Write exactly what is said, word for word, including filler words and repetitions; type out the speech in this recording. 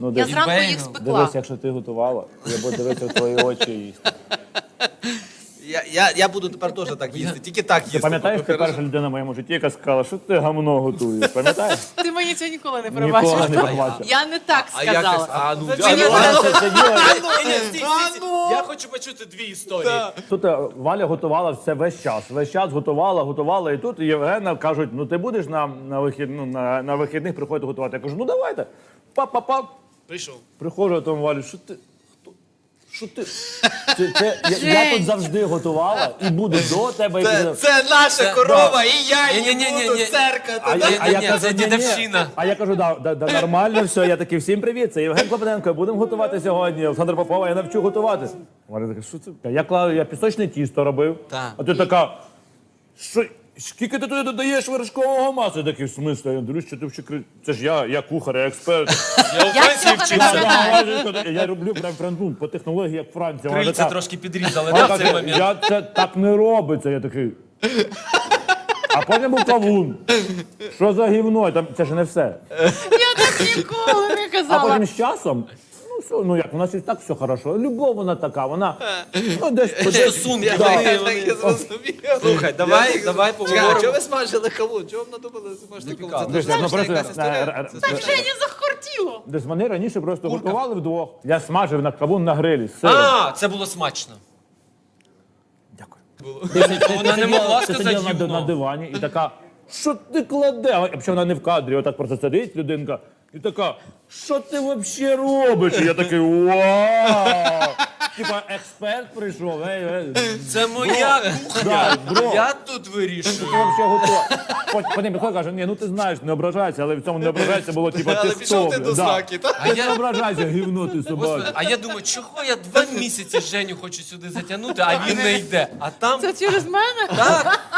Ну, Я десь- зранку їх бейгл. спекла. Дивись, якщо ти готувала, я буду дивитися в твої очі і їсти. Я, я, я буду тепер теж так їсти, тільки так їсти. Ти пам'ятаєш, ти перша людина в моєму житті, яка сказала, що ти гамно готуєш? Пам'ятаєш? Ти мені цього ніколи не Ніколи пробачиш. не побачив. Я не так А якось, сказала. а ну, Мені а ну, вона- Вона це сиділа. Ні, ні, стій, стій, стій. Я хочу почути дві історії. Тут е, Валя готувала все весь час. Весь час готувала, готувала. І тут Євгена кажуть, ну ти будеш на, на, вихід, ну, на, на вихідних приходити готувати. Я кажу, ну давайте. Пап-пап-пап. Прийшов. Приходжу, а там Валю, що ти? Хто? Що ти? Це, це, я, я тут завжди готувала і буду до тебе. І Це, після- це наша корова, і я її Ні-ні-ні-ні-ні. буду церкати. А да? я, а я Ні-ні, кажу, це ні-ні. дідовщина. А я кажу, да, да, да, нормально все. Я такий, всім привіт, це Євген Клопотенко, будемо готувати сьогодні. Олександр Попова, я навчу готувати. Валя така, що це? Я клав, я пісочне тісто робив. Так. А ти така, що, скільки ти туди додаєш вершкового масла? Я такий, в смислі? Я дивлюсь, що ти вчи кри- Це ж я, я кухар, я експерт. Я у Я Франції цього не вчився. пам'ятаю. Я роблю прям прям, ну, по технології, як Франція. Вона Крильця така, трошки підрізали, вона да, в цей така, момент? я це так не робиться. Я такий. А потім був кавун. Що за гівно? Там, це ж не все. Я так ніколи не А казала. потім з часом, ну все, ну як, у нас і так все хорошо. Любов вона така, вона ну, десь Стосунки, Я, вони- я, вони- я, я зрозумів. Слухай, давай- Я- давай Чекай, поговоримо. а чого ви смажили кавун? Чого ви надумали смажити кавун? Це Дивись, дуже ну, смачна просто, якась історія. е, е, Це е, смачна. Жені захотіло. Десь вони раніше просто готували вдвох. Я смажив на кавун на грилі з сиром. А, це було смачно. Дякую. Вона не могла Ти сказати сиділа на, ди- на гівно. дивані і така, що ти кладе? А взагалі вона не в кадрі, отак просто сидить людинка і така, що ти взагалі робиш? І я такий, вау! Типа експерт прийшов, ей, ей. Це моя кухня. Да, бро. Я тут вирішую. Ти взагалі готова. Потім потім приходить, каже, ні, ну ти знаєш, не ображайся, але в цьому не ображайся було, типа, ти Але пішов ти хто? до Да. сраки, так? А Ти я- не ображайся, гівно ти Господи, собака. а я думаю, чого я два місяці Женю хочу сюди затягнути, а він не йде. А там Це через мене? так,